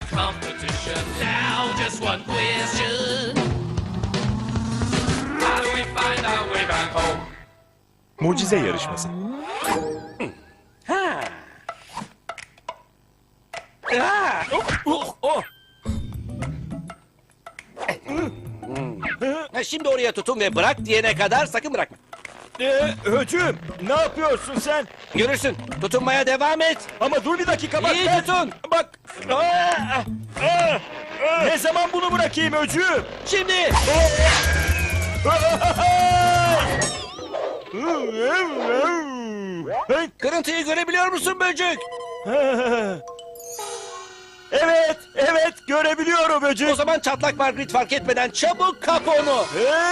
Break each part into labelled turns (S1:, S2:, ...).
S1: Competition now, just one question. How do we find our way back home?
S2: Mucize yarışması.
S3: Şimdi oraya tutun ve bırak diyene kadar sakın bırakma.
S2: Höcüm, ne yapıyorsun sen?
S3: Görürsün. Tutunmaya devam et.
S2: Ama dur bir dakika bak.
S3: İyi tutun.
S2: Bak. Ne zaman bunu bırakayım Höcüm?
S3: Şimdi. Kırıntıyı görebiliyor musun böcek?
S2: Evet görebiliyorum Höcüm.
S3: O zaman çatlak Margaret fark etmeden çabuk kap onu.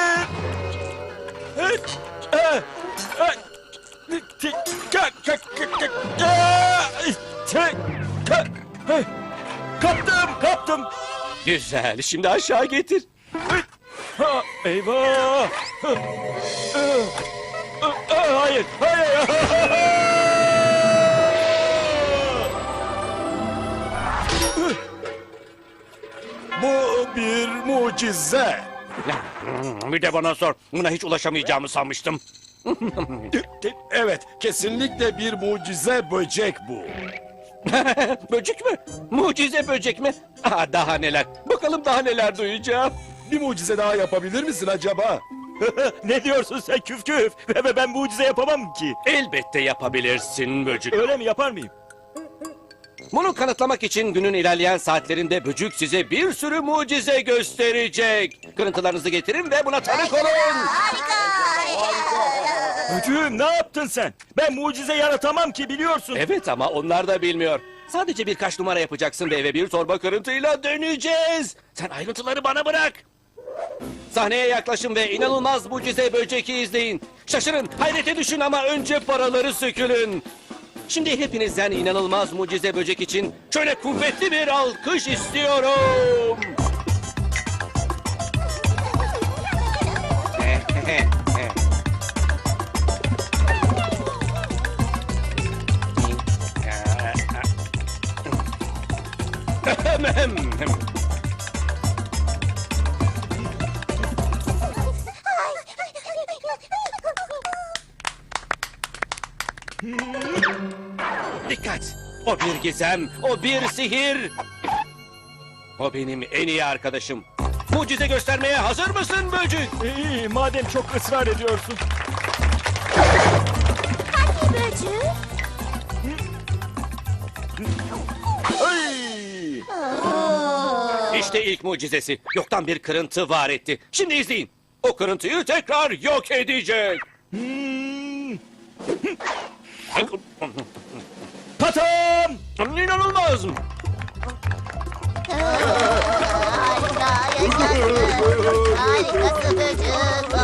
S2: Kaptım.
S3: Güzel. Şimdi aşağı getir.
S2: Eyvah. Hayır. Bu bir mucize.
S3: Bir de bana sor. Buna hiç ulaşamayacağımı sanmıştım.
S4: Evet, kesinlikle bir mucize böcek bu.
S3: Böcek mi? Mucize böcek mi? Aa, daha neler. Bakalım daha neler duyacağım.
S4: Bir mucize daha yapabilir misin acaba?
S2: Ne diyorsun sen küf? Ben mucize yapamam ki.
S3: Elbette yapabilirsin böcek.
S2: Öyle mi, yapar mıyım?
S3: Bunu kanıtlamak için günün ilerleyen saatlerinde böcük size bir sürü mucize gösterecek. Kırıntılarınızı getirin ve buna tanık olun.
S2: Höcüm, ne yaptın sen? Ben mucize yaratamam ki, biliyorsun.
S3: Evet ama onlar da bilmiyor. Sadece birkaç numara yapacaksın ve eve bir torba kırıntıyla döneceğiz. Sen ayrıntıları bana bırak. Sahneye yaklaşın ve inanılmaz mucize böceki izleyin. Şaşırın, hayrete düşün ama önce paraları sökülün. Şimdi hepinizden inanılmaz mucize böcek için şöyle kuvvetli bir alkış istiyorum. Dikkat! O bir gizem, o bir sihir. O benim en iyi arkadaşım. Mucize göstermeye hazır mısın böcek?
S2: İyi, madem çok ısrar ediyorsun.
S5: Hadi böcük.
S2: Ay!
S3: İşte ilk mucizesi. Yoktan bir kırıntı var etti. Şimdi izleyin. O kırıntıyı tekrar yok edecek.
S2: Patam!
S3: İnanılmaz.
S5: Harika, yaşasın. Harikası böcük.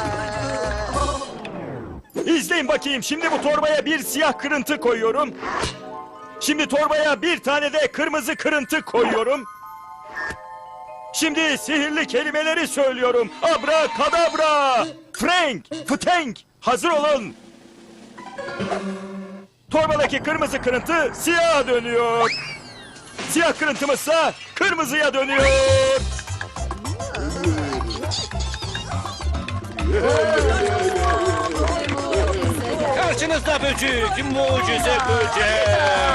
S2: İzleyin bakayım. Şimdi bu torbaya bir siyah kırıntı koyuyorum. Şimdi torbaya bir tane de kırmızı kırıntı koyuyorum. Şimdi sihirli kelimeleri söylüyorum. Abrakadabra! Frank! Fıtenk! Hazır olun. Torbadaki kırmızı kırıntı siyaha dönüyor. Siyah kırıntımızsa kırmızıya dönüyor.
S3: Karşınızda böcek, mucize böcek.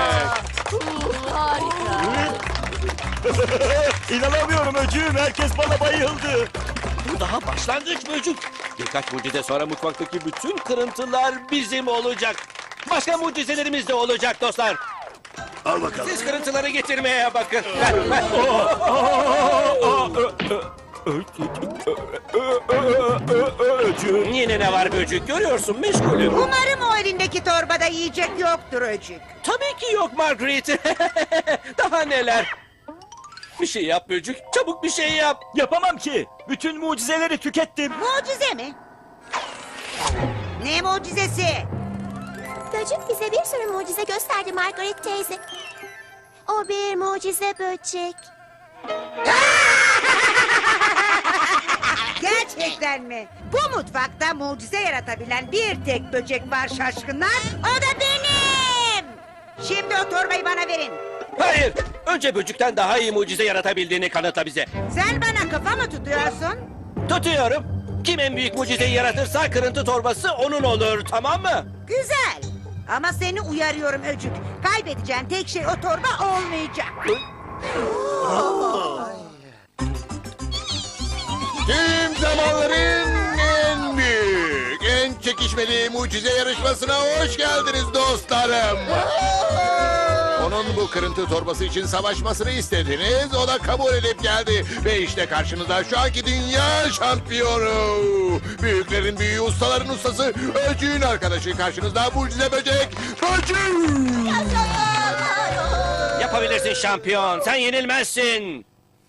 S2: İnanamıyorum öcüğüm. Herkes bana bayıldı.
S3: Bu daha başlangıç böcek. Birkaç mucize sonra mutfaktaki bütün kırıntılar bizim olacak. Başka mucizelerimiz de olacak dostlar.
S4: Al bakalım.
S3: Siz kırıntıları getirmeye bakın.
S2: Öcüğüm.
S3: Yine ne var böcek görüyorsun meşgulüm.
S6: Umarım o elindeki torbada yiyecek yoktur öcük.
S3: Tabii ki yok Margaret. Daha neler. Bir şey yap böcek. Çabuk bir şey yap.
S2: Yapamam ki. Bütün mucizeleri tükettim.
S6: Mucize mi? Ne mucizesi?
S5: Böcük bize bir sürü mucize gösterdi Margaret teyze. O bir mucize böcek.
S6: Gerçekten mi? Bu mutfakta mucize yaratabilen bir tek böcek var şaşkınlar. O da benim. Şimdi o torbayı bana verin.
S3: Hayır. Önce böcükten daha iyi mucize yaratabildiğini kanıtla bize.
S6: Sen bana kafa mı tutuyorsun?
S3: Tutuyorum. Kim en büyük mucizeyi yaratırsa kırıntı torbası onun olur, tamam mı?
S6: Güzel. Ama seni uyarıyorum Öcük. Kaybedeceğin tek şey o torba olmayacak.
S7: Tüm zamanların en büyük, en çekişmeli mucize yarışmasına hoş geldiniz dostlarım. Onun bu kırıntı torbası için savaşmasını istediniz, o da kabul edip geldi. Ve işte karşınızda şu anki dünya şampiyonu. Büyüklerin büyüğü, ustaların ustası, Öcüğün arkadaşı. Karşınızda mucize böcek, Böcük.
S3: Yapabilirsin şampiyon. Sen yenilmezsin.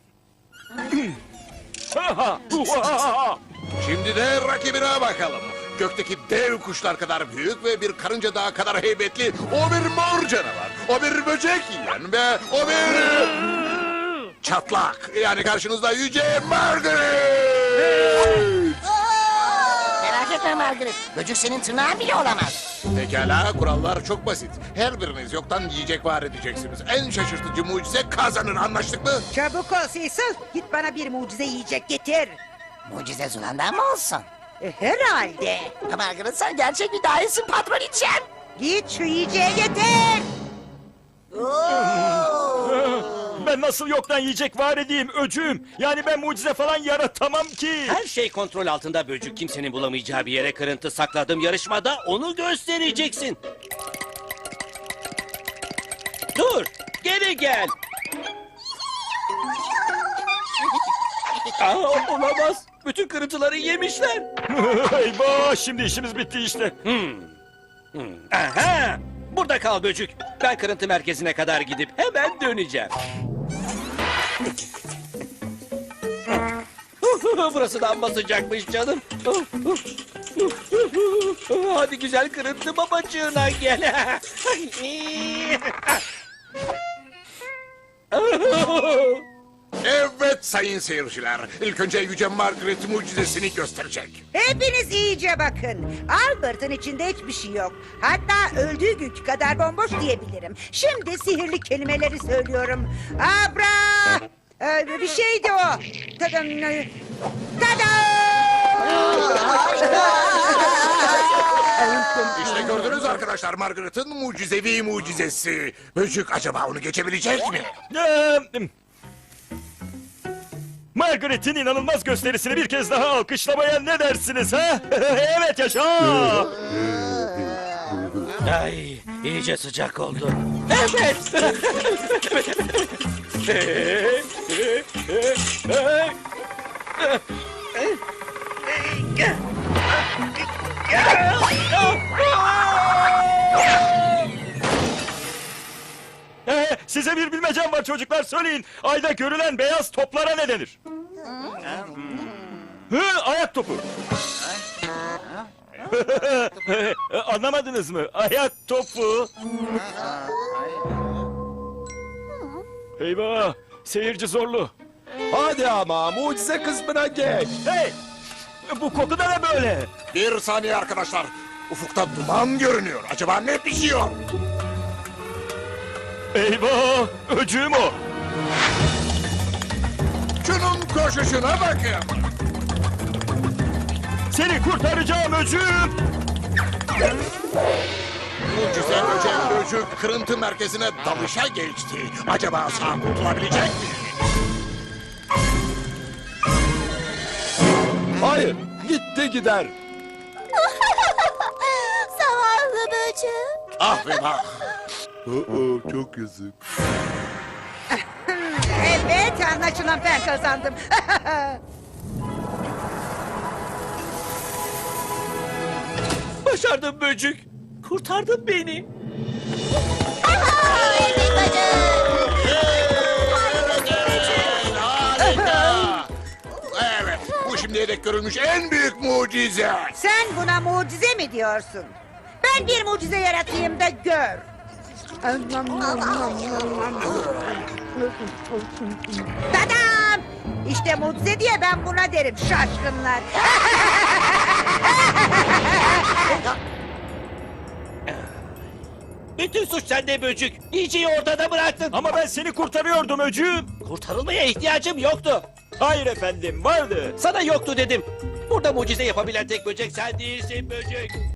S7: Şimdi de rakibine bakalım. Gökteki dev kuşlar kadar büyük ve bir karınca daha kadar heybetli o bir mor canavar. O bir böcek yiyen ve o bir çatlak. Yani karşınızda yüce Margaret.
S8: Merak etme Margaret. Böcek senin tırnağın bile olamaz.
S7: Pekala, kurallar çok basit. Her biriniz yoktan yiyecek var edeceksiniz. En şaşırtıcı mucize kazanır, anlaştık mı?
S6: Çabuk ol Cecil. Git bana bir mucize yiyecek getir.
S8: Mucize Zula'ndan mı olsun?
S6: Herhalde.
S8: Margaret sen gerçek bir dahisin patron içeceğim.
S6: Git şu yiyeceği getir.
S2: Ben nasıl yoktan yiyecek var edeyim öcüğüm? Yani ben mucize falan yaratamam ki.
S3: Her şey kontrol altında böcük. Kimsenin bulamayacağı bir yere kırıntı sakladım. Yarışmada onu göstereceksin. Dur, geri gel. Aa, olamaz. Bütün kırıntıları yemişler.
S2: Eyvah, şimdi işimiz bitti işte.
S3: Aha! Burada kal böcük. Ben kırıntı merkezine kadar gidip hemen döneceğim. Burası da amma sıcakmış canım. Hadi güzel kırıntı babacığına gel.
S7: Evet sayın seyirciler. İlk önce yüce Margaret mucizesini gösterecek.
S6: Hepiniz iyice bakın. Albert'ın içinde hiçbir şey yok. Hatta öldüğü günkü kadar bomboş diyebilirim. Şimdi sihirli kelimeleri söylüyorum. Abra! Bir şeydi o. Tadam!
S7: İşte gördünüz arkadaşlar, Margaret'ın mucizevi mucizesi. Böcük acaba onu geçebilecek mi?
S2: Margaret'in inanılmaz gösterisini bir kez daha alkışlamaya ne dersiniz ha? Evet, yaşa!
S3: Ay, iyice sıcak oldu. Evet.
S2: Size bir bilmecem var çocuklar, söyleyin. Ayda görülen beyaz toplara ne denir? Ayak topu. Anlamadınız mı? Ayak topu. Eyvah, seyirci zorlu.
S4: Hadi ama mucize kısmına geç.
S2: Hey, bu koku da ne böyle?
S7: Bir saniye arkadaşlar. Ufukta duman görünüyor. Acaba ne pişiyor?
S2: Eyvah, öcüğüm o.
S7: Şunun koşuşuna bakın.
S2: Seni kurtaracağım öcüğüm.
S7: Mucize böcek kırıntı merkezine dalışa geçti. Acaba sağ kurtulabilecek mi?
S4: Hayır, gitti gider.
S5: Zavallı böcek.
S7: Ah ve bak. Çok yazık.
S6: Evet, anlaşılan ben kazandım.
S3: Başardım böcük. Kurtardın beni.
S5: Evet böcek.
S7: Harika. Evet, bu şimdiye dek görülmüş en büyük mucize.
S6: Sen buna mucize mi diyorsun? Ben bir mucize yaratayım da gör. Tadam! İşte mucize diye ben buna derim şaşkınlar.
S3: Bütün suç sende böcük. Yiyeceği ortada bıraktın.
S2: Ama ben seni kurtarıyordum öcüğüm.
S3: Kurtarılmaya ihtiyacım yoktu.
S2: Hayır efendim, vardı.
S3: Sana yoktu dedim. Burada mucize yapabilen tek böcek sen değilsin böcek.